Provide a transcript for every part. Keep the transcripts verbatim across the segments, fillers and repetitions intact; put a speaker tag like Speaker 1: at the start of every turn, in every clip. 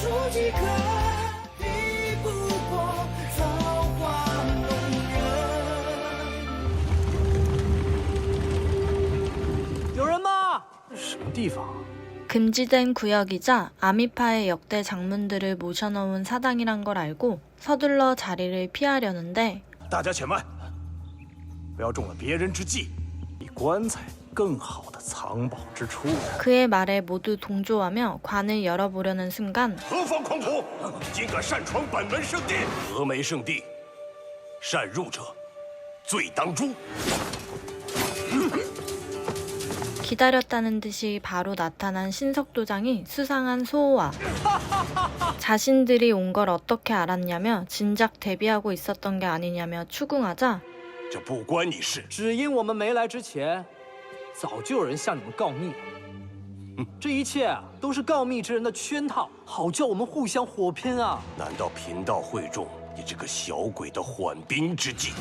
Speaker 1: 几个，比不过造化弄人。有人吗？什么地方？
Speaker 2: 금지된 구역이자 아미파의 역대 장문들을 모셔놓은 사당이란 걸 알고 서둘러 자리를 피하려는데
Speaker 3: 大家且慢，不要中了别人之计，比棺材更好的藏宝之处。
Speaker 2: 그의 말에 모두 동조하며 관을 열어보려는 순간
Speaker 3: 何方狂徒，竟敢擅闯本门圣地！峨眉圣地，擅入者，罪当诛。
Speaker 2: 기다렸다는 듯이 바로 나타난 신석도장이 수상한 소호와 자신들이 온 걸 어떻게 알았냐며 진작 대비하고 있었던 게 아니냐며 추궁하자
Speaker 3: 这不关你事。
Speaker 4: 只因我们没来之前，早就有人向你们告密了。这一切啊，都是告密之人的圈套，好叫我们互相火拼啊！
Speaker 3: 难道贫道会中你这个小鬼的缓兵之计？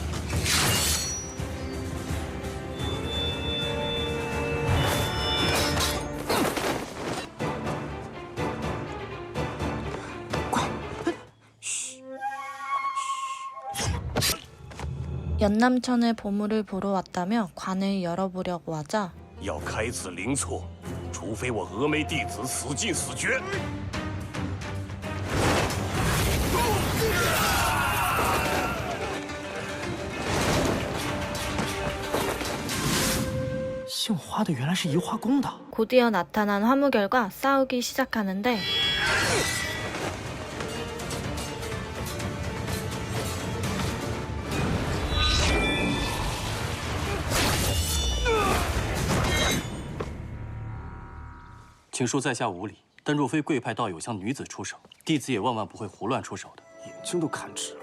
Speaker 2: 연남천의 보물을 보러 왔다며 관을 열어보려고 하자
Speaker 3: 要开此灵错，除非我峨眉弟子死尽死绝。
Speaker 4: 姓花的原来是移花宫的。
Speaker 2: 곧이어 나타난 화무결과 싸우기 시작하는데
Speaker 5: "请恕在下无礼，但若非贵派道友向女子出手，弟子也万万不会胡乱出手的。
Speaker 4: 眼睛都看直了。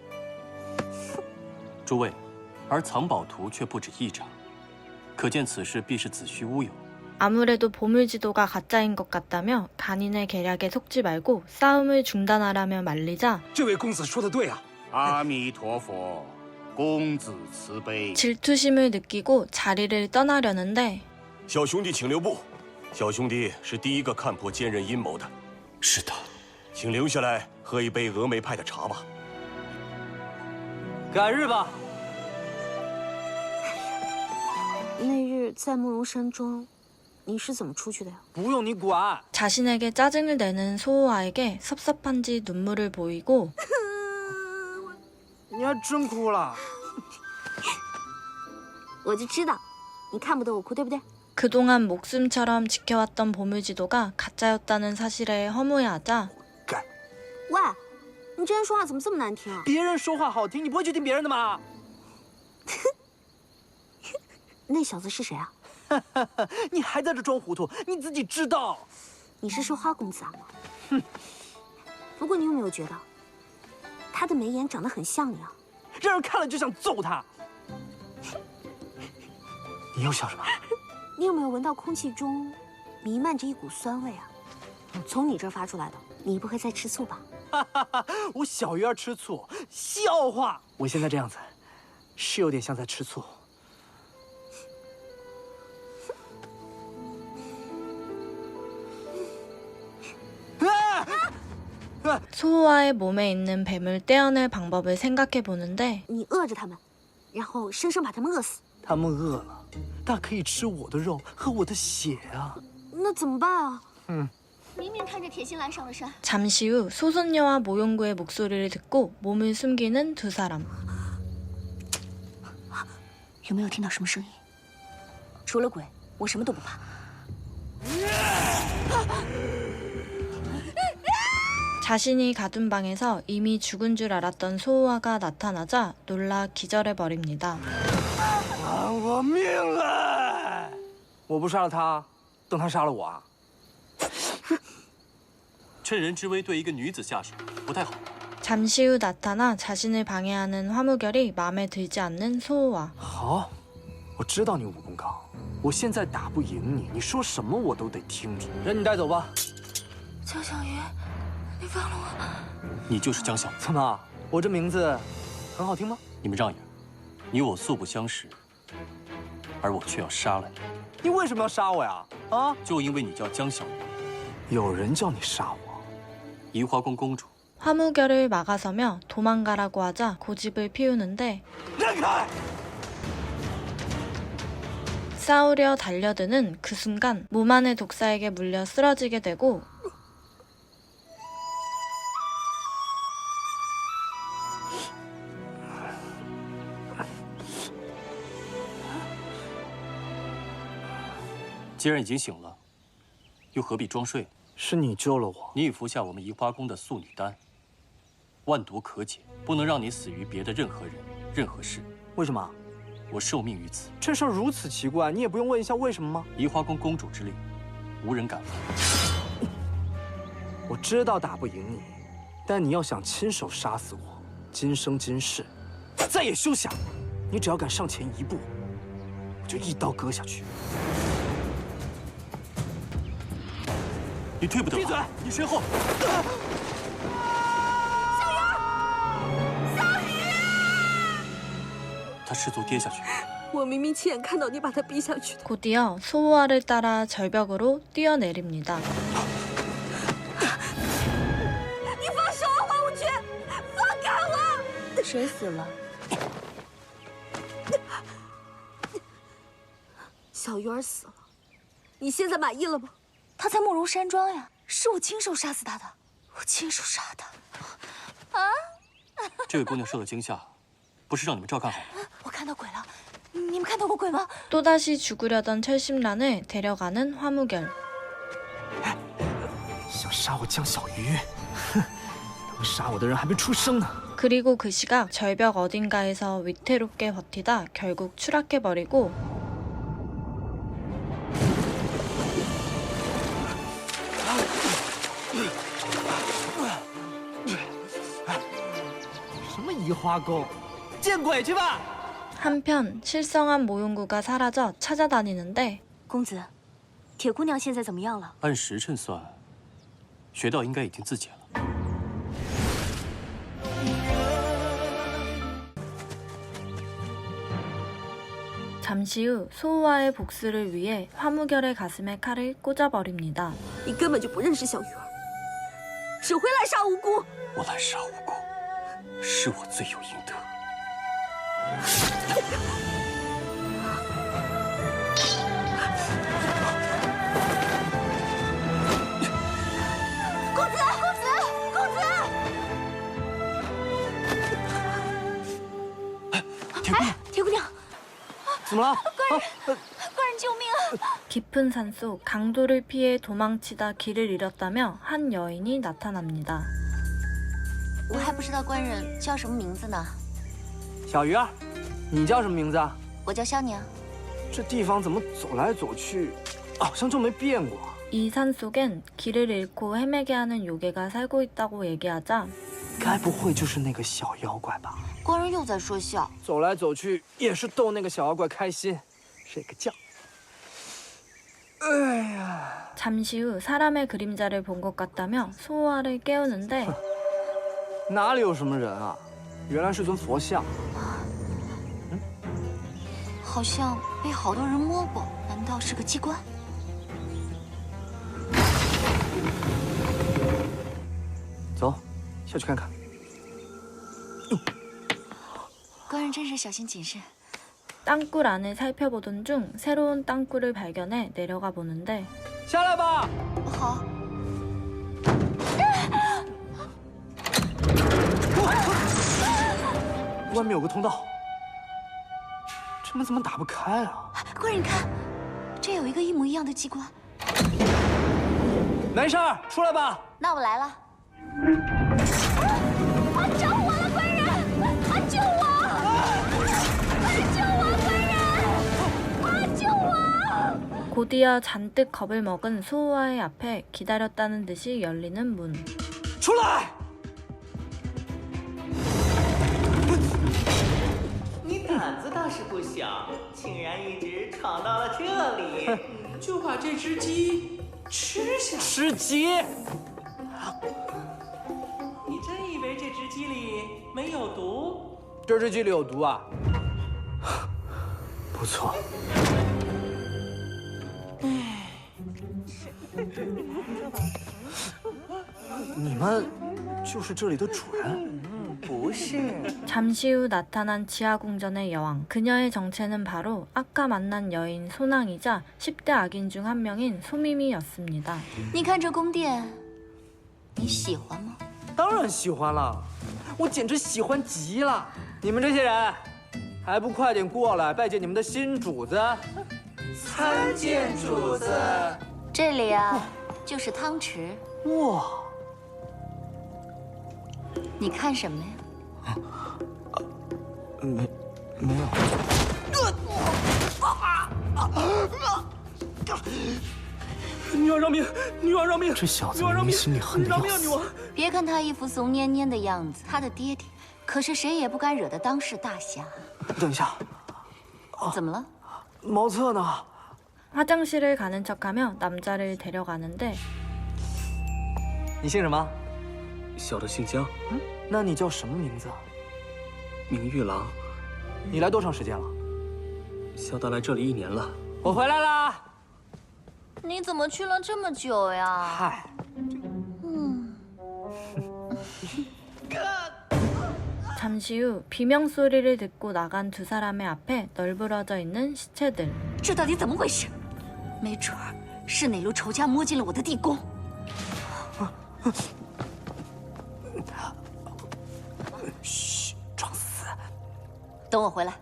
Speaker 5: 诸位，而藏宝图却不止一张，可见此事必是子虚乌有。
Speaker 2: 아무래도 보물지도가 가짜인 것 같다며 간인의 계략에 속지 말고 싸움을 중단하라며 말리자
Speaker 3: 这位公子说的对啊！
Speaker 6: 阿弥陀佛，公子慈悲。
Speaker 2: 질투심을 느끼고 자리를 떠나려는데
Speaker 3: 小兄弟请留步，小兄弟是第一个看破奸人阴谋的。
Speaker 5: 是的，
Speaker 3: 请留下来喝一杯峨眉派的茶吧。
Speaker 4: 改日吧。
Speaker 7: 那日在慕容山庄，你是怎么出去的呀？
Speaker 4: 不用你管。
Speaker 2: 자신에게 짜증을 내는 소호아에게 섭섭한지 눈물을 보이고
Speaker 4: 你还真哭了。
Speaker 7: 我就知道，你看不得我哭，对不对？
Speaker 2: 그동안 목숨처럼 지켜왔던 보물지도가 가짜였다는 사실에 허무해하자
Speaker 7: 喂，你这人说话怎么这么难听啊？
Speaker 4: 别人说话好听，你不会去听别人的吗？
Speaker 7: 那小子是谁啊？
Speaker 4: 你还在这装糊涂，你自己知道。
Speaker 7: 你是说花公子啊？哼。不过你有没有觉得，他的眉眼长得很像你啊？
Speaker 4: 让人看了就想揍他。你又笑什么？
Speaker 7: 你有没有闻到空气中弥漫着一股酸味啊？从你这儿发出来的。你不会在吃醋吧？
Speaker 4: 我小鱼儿吃醋，笑话！我现在这样子，是有点像在吃醋。
Speaker 2: 소호아의 몸에 있는 뱀을 떼어낼 방법을 생각해 보는데
Speaker 7: 你饿着他们，然后生生把他们饿死。
Speaker 4: 他们饿了，大可以吃我的肉和我的血啊！
Speaker 7: 那怎么办啊？
Speaker 4: 嗯，
Speaker 7: 明明看着铁心兰上了山。
Speaker 2: 잠시 후 소선녀와 모용구의 목소리를 듣고 몸을 숨기는 두 사람.
Speaker 7: 有没有听到什么声音？除了鬼，我什么都不怕。
Speaker 2: 자신이 가둔 방에서 이미 죽은 줄 알았던 소호아가 나타나자 놀라 기절해버립니다.
Speaker 4: 还我命啊！我不杀了他，等他杀了我啊！
Speaker 5: 趁人之危对一个女子下手，不太好。
Speaker 2: 잠시 후 나타나 자신을 방해하는 화무결이 마음에 들지 않는 소호아.
Speaker 4: 好，我知道你武功高，我现在打不赢你，你说什么我都得听着。人你带走吧。
Speaker 7: 江小鱼。 你放了我！
Speaker 5: 你就是江小鱼。
Speaker 4: 怎么，我这名字很好听吗？
Speaker 5: 你们让一让，你我素不相识，而我却要杀了你。
Speaker 4: 你为什么要杀我呀？啊！
Speaker 5: 就因为你叫江小鱼。
Speaker 4: 有人叫你杀我，
Speaker 5: 宜花宫公主，
Speaker 2: 화무결을 막아서며 도망가라고 하자 고집을 피우는데
Speaker 4: 让开！
Speaker 2: 싸우려 달려드는 그 순간 무만의 독사에게 물려 쓰러지게 되고
Speaker 5: "既然已经醒了，又何必装睡？
Speaker 4: 是你救了我。
Speaker 5: 你已服下我们宜花宫的素女丹，万毒可解，不能让你死于别的任何人、任何事。
Speaker 4: 为什么？
Speaker 5: 我受命于此。
Speaker 4: 这事儿如此奇怪，你也不用问一下为什么吗？
Speaker 5: 宜花宫公主之令，无人敢犯。
Speaker 4: 我知道打不赢你，但你要想亲手杀死我，今生今世再也休想！你只要敢上前一步，我就一刀割下去。
Speaker 5: 你退不得！
Speaker 4: 闭嘴！
Speaker 5: 你身后！他失足跌下去，
Speaker 8: 我明明亲眼看到你把他逼下去的。
Speaker 2: 곧이어 소호와를 따라 절벽으로 뛰어내립니다.
Speaker 8: 你放手啊，花无缺！放开我！
Speaker 7: 谁死了？
Speaker 8: 小鱼儿死了，你现在满意了吗？
Speaker 7: 他在慕容山庄呀，是我亲手杀死他的，我亲手杀的。啊！
Speaker 5: 这位姑娘受了惊吓，不是让你们照看好吗？
Speaker 7: 我看到鬼了，你们看到过鬼吗？
Speaker 2: 또다시 죽으려던 철심란을 데려가는 화무결.
Speaker 4: 想杀我江小鱼，哼，能杀我的人还没出生呢。
Speaker 2: 그리고 그 시각 절벽 어딘가에서 위태롭게 버티다 결국 추락해버리고
Speaker 4: 什么移花宫，见鬼去吧！
Speaker 2: 한편 실성한 모용구가 사라져 찾아다니는데
Speaker 7: 公子，铁姑娘现在怎么样了？
Speaker 5: 按时辰算，穴道应该已经自解了。
Speaker 2: 잠시 후 소호와의 복수를 위해 화무결의 가슴에 칼을 꽂아버립니다.
Speaker 8: 你根本就不认识小鱼儿，只会滥杀无辜。
Speaker 5: 我滥杀无辜，是我罪有应得。
Speaker 7: 公子，公子，公子！
Speaker 5: 铁姑娘，
Speaker 7: 铁姑娘，
Speaker 4: 怎么了？
Speaker 7: 官人，官人救命啊！
Speaker 2: 깊은 산속 강도를 피해 도망치다 길을 잃었다며 한 여인이 나타납니다.
Speaker 7: 我还不知道官人叫什么名字呢。
Speaker 4: 小鱼儿，你叫什么名字啊？
Speaker 7: 我叫萧娘。
Speaker 4: 这地方怎么走来走去，好像就没变过。
Speaker 2: 이 산속엔 길을 잃고 헤매게 하는 요괴가 살고 있다고 얘기하자
Speaker 4: 该不会就是那个小妖怪吧？
Speaker 7: 官人又在说笑。
Speaker 4: 走来走去也是逗那个小妖怪开心，睡个觉。哎呀，
Speaker 2: 잠시 후 사람의 그림자를 본 것 같다며 소호와를 깨우는데
Speaker 4: 哪里有什么人啊？原来是尊佛像。
Speaker 7: 好像被好多人摸过，难道是个机关？
Speaker 4: 走，下去看看。
Speaker 7: 官人真是小心谨慎。
Speaker 2: 땅굴 안을 살펴보던 중 새로운 땅굴을 발견해 내려가 보는데
Speaker 4: 下来吧。
Speaker 7: 好。
Speaker 4: 外面有个通道，这门怎么打不开啊？
Speaker 7: 官人，你看，这有一个一模一样的机关。
Speaker 4: 没事儿，出来吧。
Speaker 7: 那我来了。啊！着火了，官人！啊，救我！官人救我！官人！啊，救我！
Speaker 2: 곧이어 잔뜩 겁을 먹은 소호와의 앞에 기다렸다는 듯이 열리는 문.
Speaker 4: 出来！
Speaker 9: 你胆子倒是不小，竟然一直闯到了这里，就把这只鸡吃下。
Speaker 4: 吃鸡？
Speaker 9: 你真以为这只鸡里没有毒？
Speaker 4: 这只鸡里有毒啊！不错。 你们就是这里的主人？
Speaker 9: 不是，
Speaker 2: 잠시 후 나타난 지하궁전의 여왕. 그녀의 정체는 바로 아까 만난 여인 소낭이자 십 대 악인 중 한 명인 소미미였습니다.
Speaker 8: 你看这宫殿，你喜欢吗？
Speaker 4: 当然喜欢了，我简直喜欢极了。你们这些人，还不快点过来拜见你们的新主子？
Speaker 9: 参见主子。
Speaker 8: 这里啊，就是汤池。
Speaker 4: 哇！
Speaker 8: 你看什么呀？
Speaker 4: 没，没有。女王饶命！女王饶命！这小子明明心里恨得要死。
Speaker 8: 别看他一副怂蔫蔫的样子，他的爹爹可是谁也不敢惹的当世大侠。
Speaker 4: 等一下，
Speaker 8: 怎么了？
Speaker 4: 茅厕呢？
Speaker 2: 화장실을 가는 척하며 남자를 데려가는데
Speaker 4: 你姓什么？
Speaker 5: 小的姓江，
Speaker 4: 嗯，那你叫什么名字？
Speaker 5: 名玉郎。
Speaker 4: 你来多长时间了？
Speaker 5: 小的来这里一年了。
Speaker 4: 我回来啦。
Speaker 8: 你怎么去了这么久呀？
Speaker 4: 嗨，
Speaker 8: 嗯。
Speaker 2: 잠시 후 비명 소리를 듣고 나간 두 사람의 앞에 널브러져 있는 시체들.
Speaker 8: 这到底怎么回事？没准儿是哪路仇家摸进了我的地宫。
Speaker 4: 嘘，装死。
Speaker 8: 等我回来。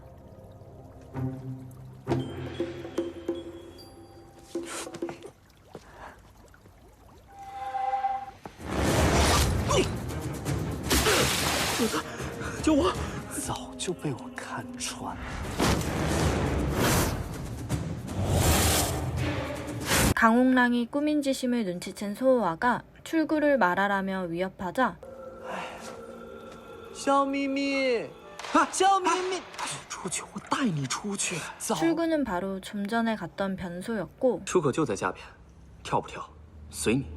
Speaker 4: 救我！早就被我看穿。
Speaker 2: 강홍랑이 꾸민 짓임을 눈치챈 소호와가 출구를 말하라며 위협하자
Speaker 4: 小咪咪，啊，小咪咪，
Speaker 5: 出去，我带你出去。
Speaker 2: 출구는 바로 좀 전에 갔던 변소였고
Speaker 5: 出口就在下边，跳不跳，随你。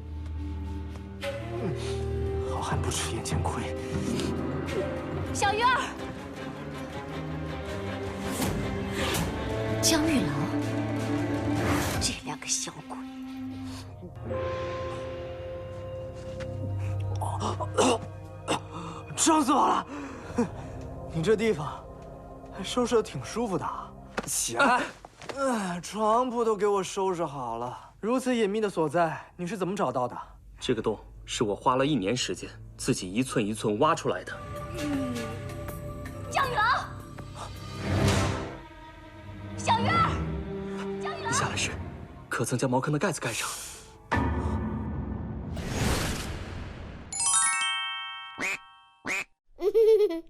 Speaker 4: 好汉不吃眼前亏。
Speaker 8: 小鱼儿，江玉郎，这两个小鬼。
Speaker 4: 伤死我了！你这地方收拾的挺舒服的。起来，嗯，床铺都给我收拾好了。如此隐秘的所在，你是怎么找到的？
Speaker 5: 这个洞是我花了一年时间，自己一寸一寸挖出来的。
Speaker 8: 江玉郎，小鱼儿，江玉郎，
Speaker 5: 下来时，可曾将茅坑的盖子盖上？